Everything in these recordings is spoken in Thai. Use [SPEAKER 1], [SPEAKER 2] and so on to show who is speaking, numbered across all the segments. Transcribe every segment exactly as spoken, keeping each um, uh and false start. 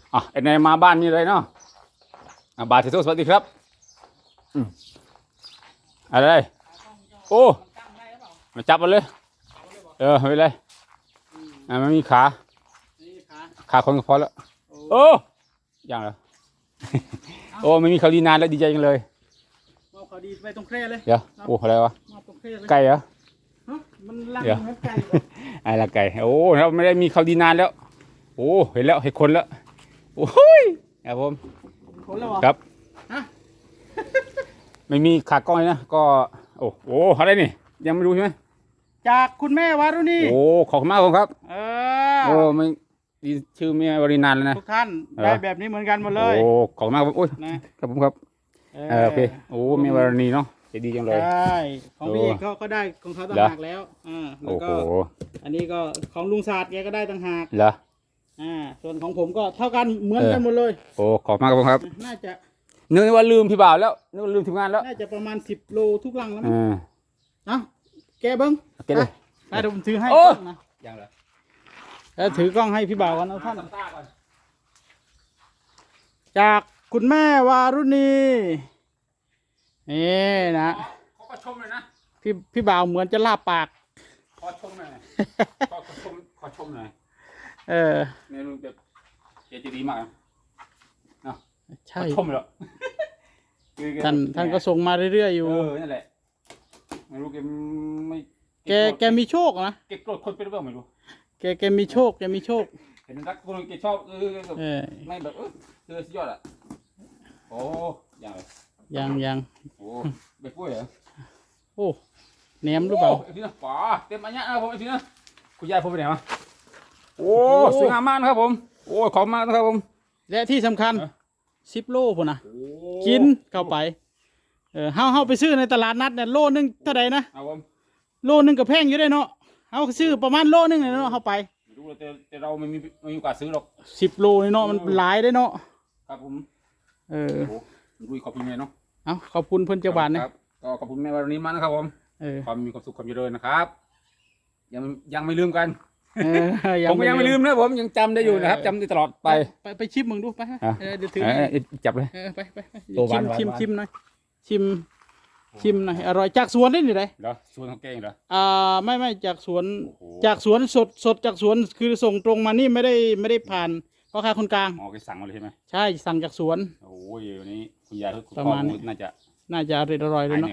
[SPEAKER 1] อ่ะไอ้นายมาบ้านนี่เลยเนาะอ่ะบาทเทโซสวัสดีครับอืมอะไรโอ้มาจับมันเลยเออไม่เป็นไรอ่ะมันมีขาขาคนก็พอแล้วโอ้ยังเหรอโอ้ไม่มีเขาดีนานแล้วดีใจจังเลย
[SPEAKER 2] มอบเขาดีไปตรงแคร่เลย
[SPEAKER 1] เดี๋ยวโอ้อะไรวะ
[SPEAKER 2] มอบตรงแคร่เลย
[SPEAKER 1] ไก่เหรอ
[SPEAKER 2] มันลังเหมือนไก่
[SPEAKER 1] ไอ้ละไก่โอ้เราไม่ได้มีเขาดีนานแล้วโอ้เห็นแล้วเห็นคนแล้วโอ้ยครับผม
[SPEAKER 2] คนแล้วเหรอ
[SPEAKER 1] ครับ
[SPEAKER 2] ฮะ
[SPEAKER 1] ไม่มีขากล้องเลยนะก็โอ้โหอะไรนี่ยังไม่รู้ใช่ไหม
[SPEAKER 2] จากคุณแม่วารุณี
[SPEAKER 1] โอ้ขอบคุณมากครับ
[SPEAKER 2] เออ
[SPEAKER 1] โอ้ไม่ดีชื่อเมียวรินานแล้วนะ
[SPEAKER 2] ทุกท่านได้แบบนี้เหมือนกันหมดเลย
[SPEAKER 1] โอ้ขอบคุณมากครับโอ้ยครับผมครับเออโอเคโอ้เมียวรินีเนาะจะดีจังเลย
[SPEAKER 2] ใช่ของพี่เขาก็ได้ของเขาต่างหากแล้วอ่าแล้วก็อันนี้ก็ของลุงศาสตร์แกก็ได้ต่างหาก
[SPEAKER 1] เหรอ
[SPEAKER 2] อ่าส่วนของผมก็เท่ากันเหมือนกันหมดเลย
[SPEAKER 1] โอ้ขอบมากครับผมครับ
[SPEAKER 2] น่าจะ
[SPEAKER 1] นึกว่าลืมพี่บ่าวแล้วนึกว่าลืมทีมงานแล้ว
[SPEAKER 2] น่าจะประมาณสิบโลทุกลังแล้วมั้ง
[SPEAKER 1] อ่า
[SPEAKER 2] เอ้าแกเบิ้ง
[SPEAKER 1] แกเลย
[SPEAKER 2] ได้เดี๋ยวผมถือให้นะ
[SPEAKER 1] ยังเหรอ
[SPEAKER 2] แล้วถือกล้องให้พี่บ่าวกันนะท่านจากคุณแม่วารุณีนี่นะ
[SPEAKER 1] ขอชมเลยนะ
[SPEAKER 2] พี่พี่บ่าวเหมือนจะลาปาก
[SPEAKER 1] ขอชมหน่อยขอชมขอชมหน่อย
[SPEAKER 2] เออ
[SPEAKER 1] เมนูแบบเจจะดีมากเนาะ
[SPEAKER 2] ใช่
[SPEAKER 1] ชมเหรอ
[SPEAKER 2] ท่านท่านก็ส่งมาเรื่อยๆอยู่
[SPEAKER 1] เออนั่นแหละไม่รู้แกไม่
[SPEAKER 2] แกแกมีโชคนะ
[SPEAKER 1] แกโกรธคนเป็นหรือเปล่าไม่รู้
[SPEAKER 2] แกแกมีโชคแกมีโชค
[SPEAKER 1] เห็นรักคนแกชอบเออไม่แบบเออเจอสุดยอดอ่ะโอ้ยัง
[SPEAKER 2] ยังยัง
[SPEAKER 1] โอ้ไปปุ้ยเหรอ
[SPEAKER 2] โอ้แหนมหรือเปล่า
[SPEAKER 1] ไอ้พี่นะป๋าเต็มอันนี้นะผมไอ้พี่นะคุณยายผมไปไหนมาโอ้สวยงามมากนะครับผมโอ้ขอบมากนะครับผม
[SPEAKER 2] และที่สำคัญสิบโลพุ่นนะกินเข้าไปเออเฮาเฮาไปซื้อในตลาดนัดเนี่ยโลนึงเท่าไหร่นะโลนึงก็แพงอยู่ได้เนาะเฮาซื้อประมาณโลนึงเลยเนาะเฮาไป
[SPEAKER 1] รู้แต่แต่เราไม่มีไม่มีโอกาสซื้อหรอก
[SPEAKER 2] สิบโลเนาะมันหลายได้เนาะ
[SPEAKER 1] ครับผม
[SPEAKER 2] เออ
[SPEAKER 1] ดูขอบคุณแม่เนาะ
[SPEAKER 2] เอาขอบคุณเพื่อนเจ้าบ้านนะ
[SPEAKER 1] ก็ขอบคุณแม่วันนี้มากนะครับผมความมีความสุขความเจริญนะครับยังยังไม่ลืมกันผมก็ยังไม่ลืมนะผมยังจำได้อยู่นะครับจำได้ตลอดไป
[SPEAKER 2] ไปไปชิมมึงดูไปเดี๋ยวถือ
[SPEAKER 1] จับเลย
[SPEAKER 2] ไปไปชิมชิมชิมหน่อยชิมชิมหน่อยอร่อยจากสวนได้หรือไร
[SPEAKER 1] เหรอสวนของแกงเหรอ
[SPEAKER 2] อ่าไม่ไม่จากสวนจากสวนสดสดจากสวนคือส่งตรงมานี่ไม่ได้ไม่ได้ผ่านพ่อค้าคนกลาง
[SPEAKER 1] อ๋อแกสั่งมาเลยใช่ไหม
[SPEAKER 2] ใช่สั่งจากสวน
[SPEAKER 1] โอ้ยวันนี้คุณยายคุณ
[SPEAKER 2] พ่อ
[SPEAKER 1] น่าจะ
[SPEAKER 2] น่าจะอร่อยอร่อยเลยเนาะ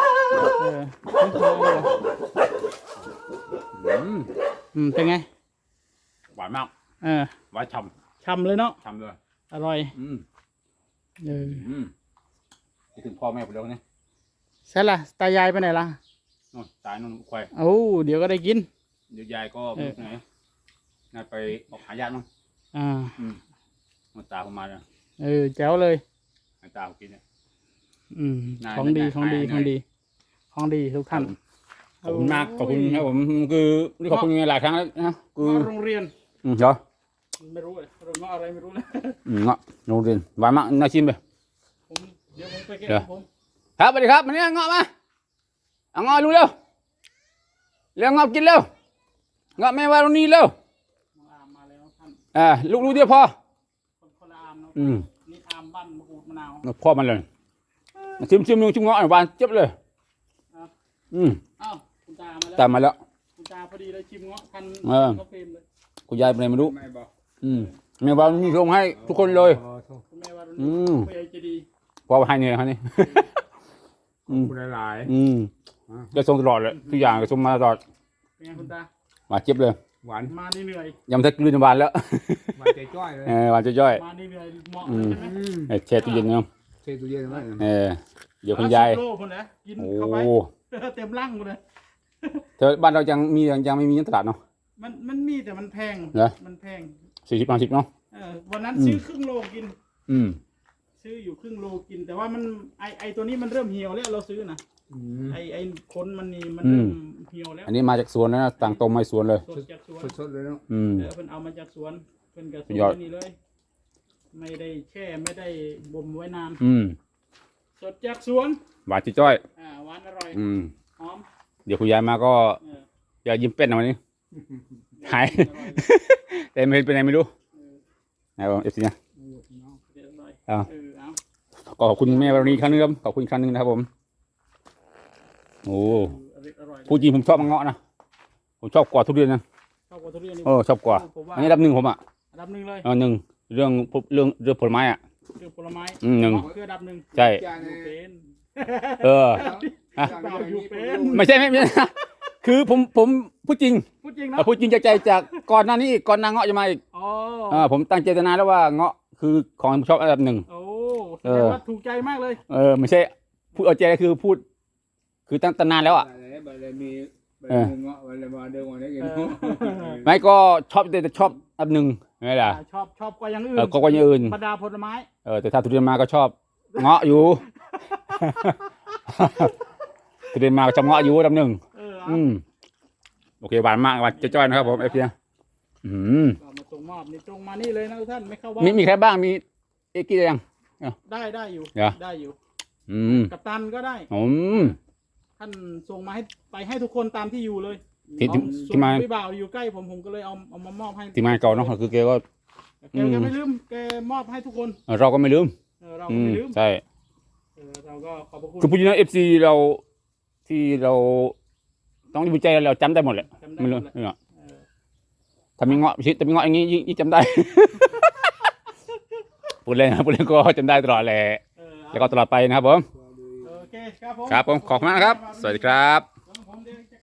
[SPEAKER 2] อืมเป็นไง
[SPEAKER 1] หวานมาก
[SPEAKER 2] เออ
[SPEAKER 1] หวานฉ่
[SPEAKER 2] ำฉ่ำเลยเนาะ
[SPEAKER 1] ฉ่ำเลย
[SPEAKER 2] อร่อย
[SPEAKER 1] อืม
[SPEAKER 2] เออ
[SPEAKER 1] อืมคิดถึงพ่อแม่ผมแล้วเนี่ย
[SPEAKER 2] ใช่ละตายายไปไหนล่ะ
[SPEAKER 1] นู่นตายนู่นควาย
[SPEAKER 2] โอ้เดี๋ยวก็ได้กิน
[SPEAKER 1] เดี๋ยวยายก็ไหนน่าไปออกหาญาติมั้ง
[SPEAKER 2] อ่า
[SPEAKER 1] อืมมาตาผมมาเลย
[SPEAKER 2] เออแจ๋วเลย
[SPEAKER 1] ให้ตาผมกินเนี่ย
[SPEAKER 2] อืมของดีของดีของดีของดีทุกท่าน
[SPEAKER 1] ขอบคุณมากขอบคุณครับผมคือนี่ขอบคุณยังไงหลายครั้งแล้วนะคือ
[SPEAKER 2] โรงเรียน
[SPEAKER 1] อืมเหรอ
[SPEAKER 2] ไม่รู้เลยโรงเรียนอะไรไม่รู้เลย
[SPEAKER 1] อืมเงาะโรงเรียนหวานมากน่าชิมเลย
[SPEAKER 2] ผมเดี๋ยวผมไปเก็บผม
[SPEAKER 1] ครับสวัสดีครับมาเนี่ยเงาะมาเอาเงาะรู้เร็วเร็วเงาะกินเร็วเงาะแม่วารุณีเร็วอ่าลูกรู้เดียวพอ
[SPEAKER 2] คนละอามเนาะ
[SPEAKER 1] อืม
[SPEAKER 2] นี่อามบ้านมะกรูดมะนาว
[SPEAKER 1] พ่อมันเลยชิมชิมนึงชิมเงาะหวานเจ็บเลยอืม
[SPEAKER 2] อ้าวคุณตามาแล้ว
[SPEAKER 1] ตามมาแล้ว
[SPEAKER 2] คุณตาพอดีเลยชิมเงาะพันก็เฟรมเลย
[SPEAKER 1] คุณยายเป็นไงไม่รู้อืมแม่วารุณีส่งให้ทุกคนเลย
[SPEAKER 2] คุณแม่วารุณี
[SPEAKER 1] อืม
[SPEAKER 2] ผู้ใหญ่ใจดี
[SPEAKER 1] พอให้เนี่ยครับนี่
[SPEAKER 3] คุณหลาย
[SPEAKER 1] อืมจะส่งตลอดเลยทุกอย่างก็ส่งมาตลอด
[SPEAKER 2] เป็นไงคุณตา
[SPEAKER 1] หวานเจ็บเลย
[SPEAKER 3] หวาน
[SPEAKER 2] มาเหนื่อย
[SPEAKER 1] ยำทักลืนหวานแล้ว
[SPEAKER 3] หวานใจจ้อยเลย
[SPEAKER 1] เออหวานใจจ้อย
[SPEAKER 2] มาเหนื่อยเหมาะใช่ไหม
[SPEAKER 1] แช่ตู้เย็นเนาะ
[SPEAKER 3] แช่ตู้เย็นไว้
[SPEAKER 1] เออเดี๋ยวคุณยาย
[SPEAKER 2] โลคนนะกินเข้าไปเต็มร่างเลย
[SPEAKER 1] เธอบ้านเรายังมียังยังไม่มีตลาดเนาะ
[SPEAKER 2] มันมันมีแต่มันแพงมันแพง
[SPEAKER 1] สี่สิบห้าสิบเนาะ
[SPEAKER 2] เออวันนั้นซื้อครึ่งโลกิน
[SPEAKER 1] อืม
[SPEAKER 2] ซื้ออยู่ครึ่งโลกินแต่ว่ามันไอไอตัวนี้มันเริ่มเหี่ยวแล้วเราซื้อนะไอไอคนมันนี่มันเริ่มเหี่ยวแล้ว
[SPEAKER 1] อันนี้มาจากสวนนะต่างตรงมาสวนเลย
[SPEAKER 2] สดจากสวน
[SPEAKER 3] สดเลยเนาะ
[SPEAKER 1] อืม
[SPEAKER 2] เออเพิ่นเอามาจากสวนเพิ่นกับสวนนี่เลยไม่ได้แช่ไม่ได้บ่มไว้นาน
[SPEAKER 1] อืม
[SPEAKER 2] สดจากสวน
[SPEAKER 1] หวานจ้อย
[SPEAKER 2] อ่าหวานอร่อย
[SPEAKER 1] อืม
[SPEAKER 2] หอม
[SPEAKER 1] เดี๋ยวคุณยายมาก็อย่ายิ้มเป็นนะวันนี้หายแต่ไม่เป็นไรไม่รู้นะครับผมเอฟซีนะ
[SPEAKER 2] เออเนาะเรียบร้อย
[SPEAKER 1] เอา
[SPEAKER 2] เออเอา
[SPEAKER 1] ก็ขอบคุณแม่วรณีอีกครั้งนึงครับขอบคุณอีกครั้งนึงนะครับผมโอ้
[SPEAKER 2] อร่อยอร่อย
[SPEAKER 1] พูดจริงผมชอบมังเงาะนะผมชอบกว่าทุเรียนนะ
[SPEAKER 2] ชอบกว่าทุเรียนนี่
[SPEAKER 1] เออชอบกว่า
[SPEAKER 2] ผมว่า
[SPEAKER 1] อันนี้อันดับหนึ่งผมอ่ะ
[SPEAKER 2] อันดับหนึ่งเลย
[SPEAKER 1] เออหนึ่งเรื่องเรื่องเรื่องผลไม้อ่ะ
[SPEAKER 2] คือผลไม้
[SPEAKER 1] อืมหนึ่ง
[SPEAKER 2] เาะคืออันดับหนึ่ง
[SPEAKER 1] ใช่
[SPEAKER 2] อยู่เป็น
[SPEAKER 1] เออ ไม่ใช่ไม่ไม่ คือผมผมพูดจริง
[SPEAKER 2] พูดจริง
[SPEAKER 1] เอ
[SPEAKER 2] เนาะ
[SPEAKER 1] อพูดจริงจากใจจากก่อนหน้านี้อีกก่อนนางเงาะจะมาอีก
[SPEAKER 2] อ๋อ
[SPEAKER 1] เออผมตั้งเจตนาแล้วว่าเงาะคือของผมชอบอันดับหนึ่ง
[SPEAKER 2] โอ้แส
[SPEAKER 1] เอ
[SPEAKER 2] ดง
[SPEAKER 1] อ
[SPEAKER 2] ว่าถูกใจมากเลย
[SPEAKER 1] เออไม่ใช่พูดเอาใจคือพูด คือตั้งแต่นานแล้วอ่ะ
[SPEAKER 3] อะไรมี
[SPEAKER 1] เออ
[SPEAKER 3] เงาะอะไรมาเดิมวันนี้กิน
[SPEAKER 2] เออ
[SPEAKER 1] ไม่ก็ชอบแต่ชอบอันดับหนึ่งไงล่ะ
[SPEAKER 2] ชอบชอบกว่าอย่างอื่น
[SPEAKER 1] เออก็กว่าอย่างอื่น
[SPEAKER 2] บรรดาผลไม้
[SPEAKER 1] เออแต่ถ้าทุเรียนมาก็ชอบเงาะอยู่ ทุเรียนมาก็ชอบเงาะอยู่อันดับหนึ่ง
[SPEAKER 2] เออเอา
[SPEAKER 1] อืมโอเคหวานมากหวานจ้อยๆนะครับผมเอฟซีอืม
[SPEAKER 2] ก็มาส่งมอบนี่ตรงมานี่เลยนะทุกท่านไม่เข้าบ้า
[SPEAKER 1] มี
[SPEAKER 2] น
[SPEAKER 1] มีใครบ้างมีเอกกี้ยัง
[SPEAKER 2] ได้ได้อยู่
[SPEAKER 1] เหรอ
[SPEAKER 2] ได้อยู่
[SPEAKER 1] อืม
[SPEAKER 2] กับตันก็ได้
[SPEAKER 1] อืม
[SPEAKER 2] ท่านส่งมาให้ไปให้ทุกคนตามที่อยู่เลย
[SPEAKER 1] ที่ที่
[SPEAKER 2] ส่
[SPEAKER 1] ที่
[SPEAKER 2] ง
[SPEAKER 1] มา
[SPEAKER 2] พี่บ่าวอยู่ใกล้ผมผมก็เลยเอาเอามามอบให้
[SPEAKER 1] ทีมงานเก่าเนาะคือแกก็
[SPEAKER 2] แกแกไม่ลืมแกมอบให้ทุกคน
[SPEAKER 1] เออเราก็ไม่ลืม
[SPEAKER 2] เออเรา
[SPEAKER 1] อื
[SPEAKER 2] ก็
[SPEAKER 1] ม
[SPEAKER 2] ไม่ลืม
[SPEAKER 1] ใช่
[SPEAKER 2] เออเราก็ขอบพระคุณ
[SPEAKER 1] คือพูดจริงนะเอฟซีเราที่เราต้องดีใจเราจำได้หมดแหละ
[SPEAKER 2] จำได้
[SPEAKER 1] ไม่
[SPEAKER 2] หม
[SPEAKER 1] รู้
[SPEAKER 2] ดเลย
[SPEAKER 1] เนาะ
[SPEAKER 2] เออ
[SPEAKER 1] ถ้ามีเงาะชิดถ้ามีเงาะอย่างงี้ยิ่งยิ่งจำได้ พูดเล่นนะพูดเล่นก็จำได้ตลอดแหละ
[SPEAKER 2] เออ
[SPEAKER 1] แล้วก็ตลอดไปนะครับผม
[SPEAKER 2] โอเคครับผม
[SPEAKER 1] ครับผมขอบคุณมากนะครับ สวัสดีครับ